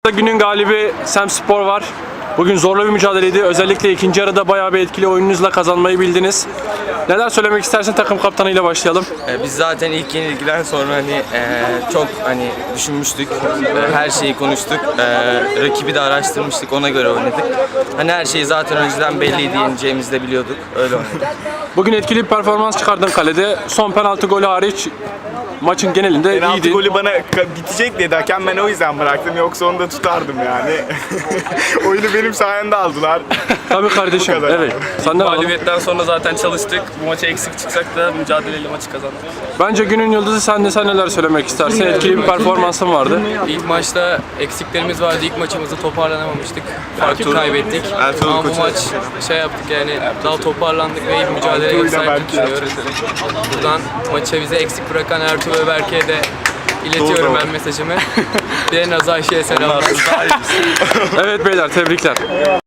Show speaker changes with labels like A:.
A: Günün galibi Semspor var. Bugün zorlu bir mücadeleydi. Özellikle ikinci yarıda bayağı bir etkili oyununuzla kazanmayı bildiniz. Neler söylemek istersin, takım kaptanıyla başlayalım.
B: Biz zaten ilk yenilgiden sonra çok düşünmüştük. Her şeyi konuştuk. Rakibi de araştırmıştık. Ona göre oynadık. Her şeyi zaten önceden belliydi, yeneceğimizi de biliyorduk. Öyle oynadık.
A: Bugün etkili bir performans çıkardın kalede. Son penaltı golü hariç maçın genelinde
C: Penaltı
A: iyiydi.
C: golü bana bitecek dedi hakem, ben o yüzden bıraktım, yoksa onu da tutardım yani. Oyunu benim sayemde aldılar.
A: Tabii kardeşim.
C: Bu kadar.
A: Evet. Senden alalım.
D: Mağlubiyetten sonra zaten çalıştık. Bu maça eksik çıksak da mücadeleyle maçı kazandık.
A: Bence günün yıldızı sen neler söylemek istersin? Etkili bir performansın vardı.
D: İlk maçta eksiklerimiz vardı. İlk maçımızda toparlanamamıştık. Farkı kaybettik.
C: Ertuğrul
D: Ama bu
C: Koç'a.
D: maç yaptık yani daha toparlandık ve iyi bir mücadeleye sahip düşünüyoruz. Buradan maça bize eksik bırakan Ertuğrul ve Berke'ye de iletiyorum ben mesajımı. Bir de Nazayşe'ye selamlar.
A: Evet beyler, tebrikler.